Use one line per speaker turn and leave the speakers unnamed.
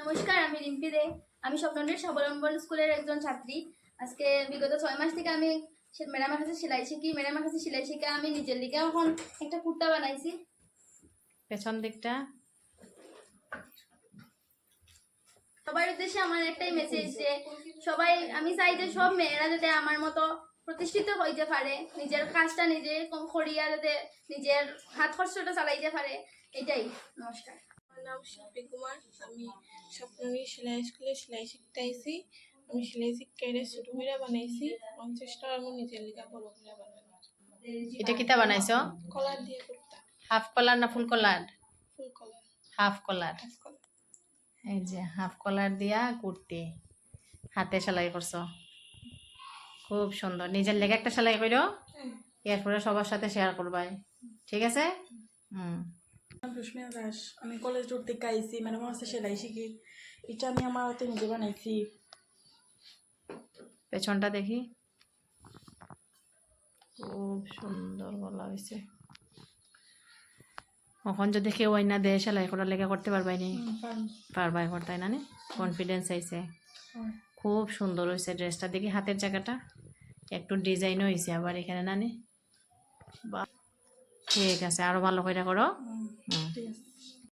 নমস্কার, আমি রিম্পি দে। আমি স্বপ্ননীর স্বাবলম্বন স্কুলের একজন ছাত্রী। আজকে বিগত 6 মাস থেকে আমি ম্যাডামের কাছে সেলাই শিখি। ম্যাডামের কাছে সেলাই শিখে আমি নিজের লিগে এখন একটা কুর্তা বানাইছি।
পেছন দিকটা
সবার উদ্দেশ্যে আমার একটাই মেসেজ যে সবাই, আমি চাই যে সব মেয়েরা যাতে আমার মতো প্রতিষ্ঠিত হইতে পারে, নিজের কাজটা নিজে করিয়া যাতে নিজের হাত খরচটা চালাইতে পারে, এটাই। নমস্কার।
আমার নাম শিল্পী কুমার। আমি স্বপ্ননী সেলাই স্কুলে সেলাই শিখতে আইছি। আমি সেলাই শিক্ষাইরে ছোট করে বানাইছি। আমি চেষ্টা করবো নিজের লিগা বড় করে বানানোর।
এটা কিতা বানাইছো?
কলার দিয়ে কুর্তা।
হাফ কলার না ফুল কলার?
ফুল কলার।
হাফ কলার।
হাফ কলার।
এই যে হাফ কলার দিয়া কুর্তি হাতে সেলাই করছো, খুব সুন্দর। নিজের লেগে একটা সেলাই করো, এরপরে সবার সাথে শেয়ার করবাই, ঠিক আছে?
রুশমিয়া দাস। আমি কলেজ রোড থেকে আইসি, মানে আমার হচ্ছে সেলাই শিখি। এটা আমি আমার হাতে নিজে বানাইছি।
পেছনটা দেখি, খুব সুন্দর গলা হয়েছে। এখন যদি কেউ আইনা দেয় সেলাই করার লেগে করতে পারবাই নি? পারবাই করতাই না? কনফিডেন্স আইছে, খুব সুন্দর হয়েছে ড্রেসটা। দেখি হাতের জায়গাটা একটু ডিজাইনও হয়েছে আবার এখানে নানি। বা ঠিক আছে, আরো ভালো করে করো।
ঠিক আছে।